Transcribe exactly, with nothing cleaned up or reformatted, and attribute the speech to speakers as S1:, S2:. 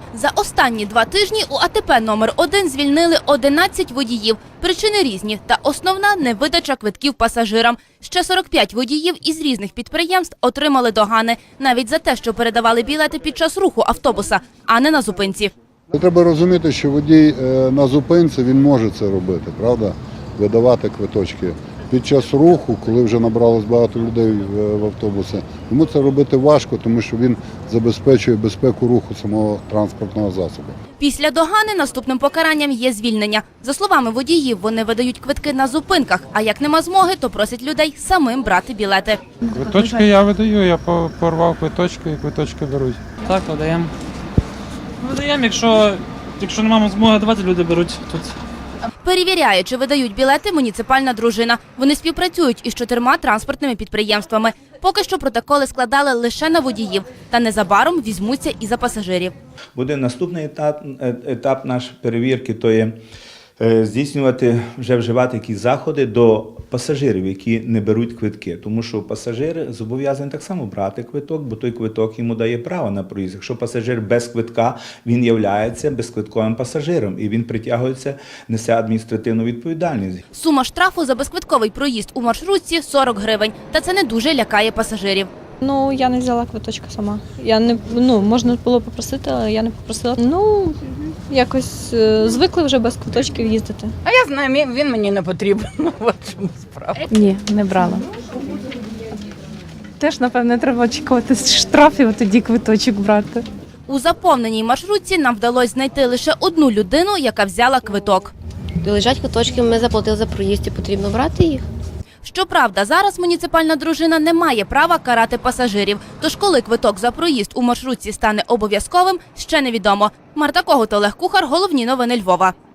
S1: За останні два тижні у АТП номер один звільнили одинадцять водіїв. Причини різні, та основна – невидача квитків пасажирам. Ще сорок п'ять водіїв із різних підприємств отримали догани. Навіть за те, що передавали білети під час руху автобуса, а не на зупинці.
S2: Треба розуміти, що водій на зупинці, він може це робити, правда? Видавати квиточки. Під час руху, коли вже набралось багато людей в автобусі, йому це робити важко, тому що він забезпечує безпеку руху самого транспортного засобу.
S1: Після догани наступним покаранням є звільнення. За словами водіїв, вони видають квитки на зупинках, а як нема змоги, то просять людей самим брати білети.
S3: Квиточки я видаю, я порвав квиточки і квиточки беруть.
S4: Так, видаємо. Видаємо, якщо, якщо не маємо змоги давати, люди беруть тут.
S1: Перевіряє, чи видають білети, муніципальна дружина. Вони співпрацюють із чотирма транспортними підприємствами. Поки що протоколи складали лише на водіїв, та незабаром візьмуться і за пасажирів.
S5: Буде наступний етап, етап нашої перевірки, то є здійснювати, вже вживати якісь заходи до пасажирів, які не беруть квитки. Тому що пасажир зобов'язаний так само брати квиток, бо той квиток йому дає право на проїзд. Якщо пасажир без квитка, він являється безквитковим пасажиром і він притягується, несе адміністративну відповідальність.
S1: Сума штрафу за безквитковий проїзд у маршрутці – сорок гривень. Та це не дуже лякає пасажирів.
S6: Ну, я не взяла квиточка сама. Я не, ну, можна було попросити, але я не попросила. Ну, якось е, звикли вже без квиточків їздити.
S7: А я знаю, він мені не потрібен. От чому справа.
S8: Ні, не брала. Теж, напевне, треба очікувати штрафів, а тоді квиточок брати.
S1: У заповненій маршрутці нам вдалося знайти лише одну людину, яка взяла квиток.
S9: Лежать квиточки, ми заплатили за проїзд і потрібно брати їх.
S1: Щоправда, зараз муніципальна дружина не має права карати пасажирів. Тож коли квиток за проїзд у маршрутці стане обов'язковим, ще невідомо. Марта Когут, Олег Кухар, головні новини Львова.